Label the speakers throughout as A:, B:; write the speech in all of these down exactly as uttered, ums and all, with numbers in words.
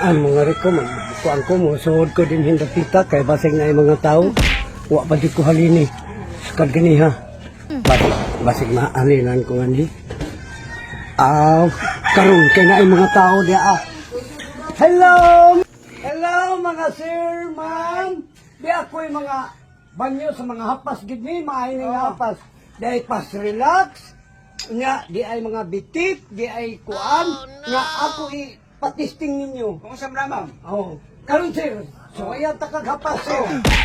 A: Ang mga reko, magbukuan ko mo, suod ko din hindapita, kay basig na yung mga tao. Wa pa di ko halini. Sukad gani ha. Basig, basig mahalinan ko gani. Ah, karon kay na yung mga tao dia ah. Hello! Hello mga sir, ma'am. Di ako yung mga banyo sa mga hapas gid ni, maayo nga hapas. Di pas relax. Nga, di ay mga bitik, di ay kuan. Nga ako i patisting ninyo.
B: Kung sa ma'am,
A: Oh, karon sir. So ayan ta kaghapas sir.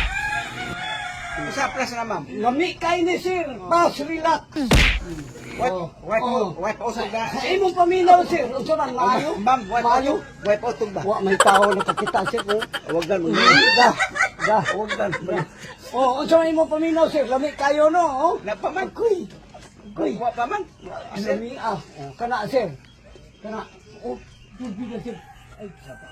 B: isa plus na ma'am.
A: Lami kay ni sir. Pas relax.
B: Wipe,
A: Oh,
B: wipe,
A: oh.
B: wipe out ba?
A: Sa imong paminaw sir, unsa man maayo?
B: Ma'am, wipe
A: Maayo?
B: out, wipe out ba?
A: Wa may tao nakakita sir ko.
B: Huwag gan mo.
A: Da, da, wag dan. Oh, unsa man imong paminaw sir? Lami kayo no, oh.
B: Napaman.
A: Kuy. Kuy.
B: Wa pa man.
A: Lami ah. Oh, kana sir. Kana. Oh, bibiga sir. Ay, sapa.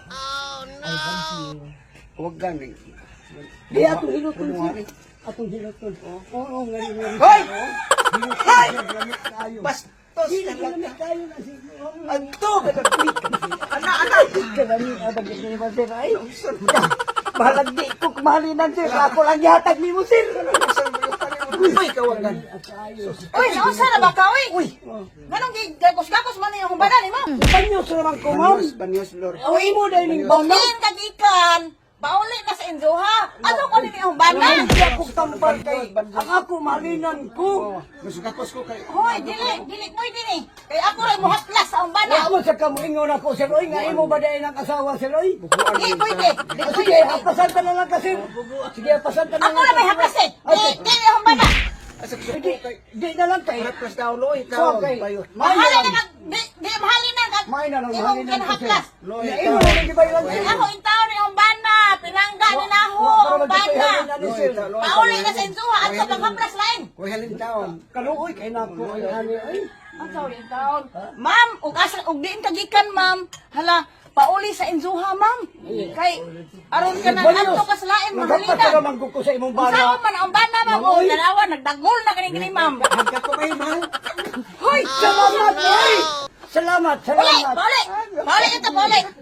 B: Huwag gan.
A: Di atong hiluton sir. Atong hiluton. Oo, oo, ngani ngani.
B: Hoy!
A: Hoy! Lami kayo.
B: Bastos
A: Di
B: na
A: na lami
B: lang.
A: kayo na sir.
B: Anto! Ana, ana!
A: Kami abag ni mo sir ay. Balag di ko kumalinan sir. Ako lang yatag ni mo sir.
B: Uy, kawagan.
C: Uy, nausa na ba ka, uy? Uy, ganong gagos-gagos man yung bana ni mo.
A: Panyo sa naman ko ma'am.
B: Banyos, banyos, lord.
A: Uy mo dahil ning bana.
C: Bangin ka gikan. Bauli ka sa Enzoha. Ano ko nini yung bana?
A: Hindi ako tampal kay. Ang ako malinan ko.
B: Masugakos ko kayo.
C: Hoy, dili, dili mo dini. Kay ako ray muhatlas sa ang bana.
A: Wa mo sa kamuingon ako sir. Uy nga imo ba dahil ng asawa sir oy?
C: Di pwede. Di
A: Ah, Sige,
C: pwede.
A: hapasan ka na lang kasi. Sige, hapasan ka na
C: Ako
A: lang.
C: na may haplasin. Di, di yung bana.
B: Asa ko
A: Di,
B: kay.
A: di na lang kay.
B: Plus daw loy,
A: So,
B: ikaw.
A: kay.
B: Payo.
C: Mahalin
A: Mahalin
C: na kag, di, di mahalin na kag.
A: May na lang
C: Imong
A: mahalin ko sir.
C: kinahaplas.
B: Loy,
A: Na imo na lang gibayran
C: Di
A: sir.
C: ako intaw ni yung bana. Pinangga ni na ho ang bana. Pauli ka sa Enzoha at sa panghaplas lain.
B: Kuy halin taon.
A: Kaluoy kay nako ay ani ay.
C: Ang sorry, taon. Ma'am, ug asa ug diin kagikan, ma'am. Hala, pauli sa Enzuha, ma'am. Kay aron ka na adto ka sa lain
A: Naghapas ka
C: mahalitan.
A: naman ko sa imong
C: Usaon
A: bana.
C: man ang bana, ma'am. O, dalawa nagdagol na kani kini, ma'am.
B: Hagka ko kayo, mahal.
C: Hoy,
A: Salamat oy. Salamat,
C: pauli,
A: salamat.
C: pauli. Pauli ito, pauli.